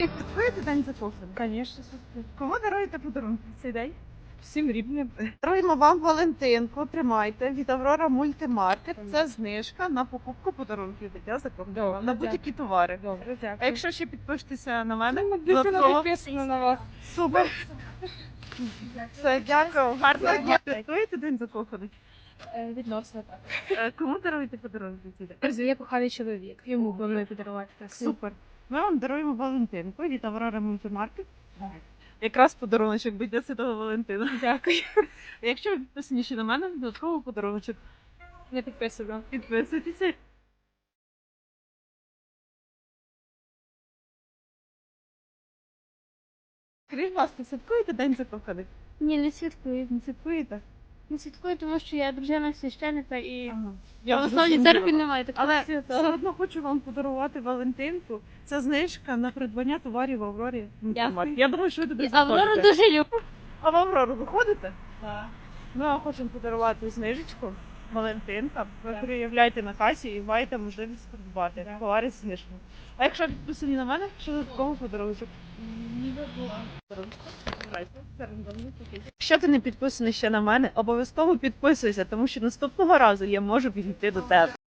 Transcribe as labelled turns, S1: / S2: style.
S1: Святкуєте День закоханих?
S2: Конечно, супер.
S1: Кому даруєте подарунки в цей день?
S2: Всім рівним.
S1: Даруємо вам Валентинку, тримайте, від Аврора Мультимаркет. Це знижка на покупку подарунків для закоханих.
S2: Добре,
S1: На будь-які товари.
S2: Добре, дякую.
S1: А якщо ще підпишетеся на мене,
S2: Дитина
S1: додатково.
S2: підписана на вас.
S1: Супер. Все, дякую. Гарного дня. Святкуєте День закоханих?
S2: Відносно так.
S1: Кому даруєте подарунки в цей день?
S2: Друзі, я коханий чоловік. Йому планую подарувати.
S1: Супер. Ми вам даруємо Валентинку від Аврора Мультимаркет. Якраз подаруночок буде Святого Валентина.
S2: Дякую.
S1: Якщо ви підписані ще на мене, додатково подаруночок.
S2: Не підписана.
S1: Підписуйтеся. Скажіть, будь ласка, святкуєте День закоханих?
S3: Ні, не святкую.
S1: Не святкуєте?
S3: Не святкую, тому що я дружина священника і
S1: Ага.
S3: в основній церкві немає такого
S1: Але
S3: свята.
S1: все одно хочу вам подарувати Валентинку. Це знижка на придбання товарів в Аврорі.
S3: Дякую.
S1: Я думаю, що ви туди
S3: І Аврору
S1: заходите.
S3: дуже люблю.
S1: А в Аврору ви ходите? Так. Ми вам хочемо подарувати знижечку. Валентинка. Ви проявляєте на касі і маєте можливість придбати товари з знижкою. А якщо підписані на мене, що додатково подарунок? Якщо ти не підписаний ще на мене, обов'язково підписуйся, тому що наступного разу я можу підійти до тебе.